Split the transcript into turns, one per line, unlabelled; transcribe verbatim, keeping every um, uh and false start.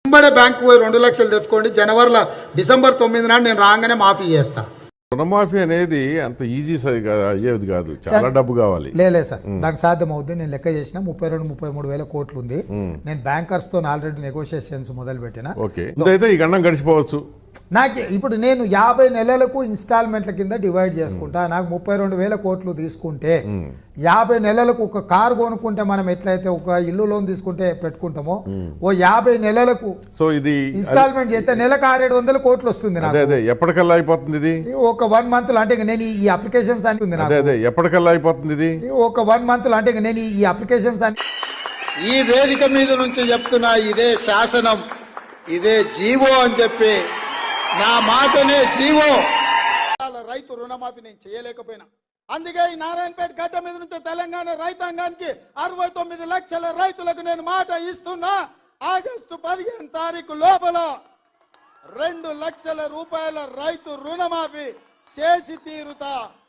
వెంబడే బ్యాంకు పోయి రెండు లక్షలు తెచ్చుకోండి, జనవరిలో డిసెంబర్ తొమ్మిది నాడు నేను రాగానే మాఫీ చేస్తా.
రుణమాఫీ అనేది అంత ఈజీ అయ్యేది కాదు, చాలా డబ్బు కావాలి.
లేలే సార్, దానికి సాధ్యం అవుద్ది. నేను లెక్క చేసిన ముప్పై రెండు ముప్పై మూడు వేల కోట్లు ఉంది. నేను బ్యాంకర్స్ తో ఆల్రెడీ నెగోషియేషన్స్ మొదలు పెట్టిన.
ఓకే, అయితే ఈ గండం గడిచిపోవచ్చు.
నాకు ఇప్పుడు నేను యాభై నెలలకు ఇన్స్టాల్మెంట్ల కింద డివైడ్ చేసుకుంటా. నాకు ముప్పై రెండు వేల కోట్లు తీసుకుంటే యాభై నెలలకు ఒక కారు కొనుక్కుంటే మనం ఎట్లయితే ఒక ఇల్లు లోన్ తీసుకుంటే పెట్టుకుంటామో, ఓ యాభై నెలలకు
సో ఇది
ఇన్స్టాల్మెంట్ చేస్తే నెలకు ఆరేడు వందల కోట్లు వస్తుంది.
ఎప్పటికల్లా అయిపోతుంది ఇది?
ఒక వన్ మంత్ లో. అంటే నేను ఈ అప్లికేషన్స్ అని ఉంది.
ఎప్పటికల్లా అయిపోతుంది ఇది?
ఒక వన్ మంత్ లో. అంటే నేను ఈ అప్లికేషన్స్ అని
ఈ వేదిక మీద నుంచి చెప్తున్నా, ఇదే శాసనం, ఇదే జీవో అని చెప్పి, నా మాటనే జీవో. రైతు రుణమాఫీ నేను చేయలేకపోయినా, అందుకే ఈ నారాయణపేట గడ్డ మీద నుంచి తెలంగాణ రైతాంగానికి అరవై తొమ్మిది లక్షల రైతులకు నేను మాట ఇస్తున్నా. ఆగస్టు పదిహేను తారీఖు లోపల రెండు లక్షల రూపాయల రైతు రుణమాఫీ చేసి తీరుతా.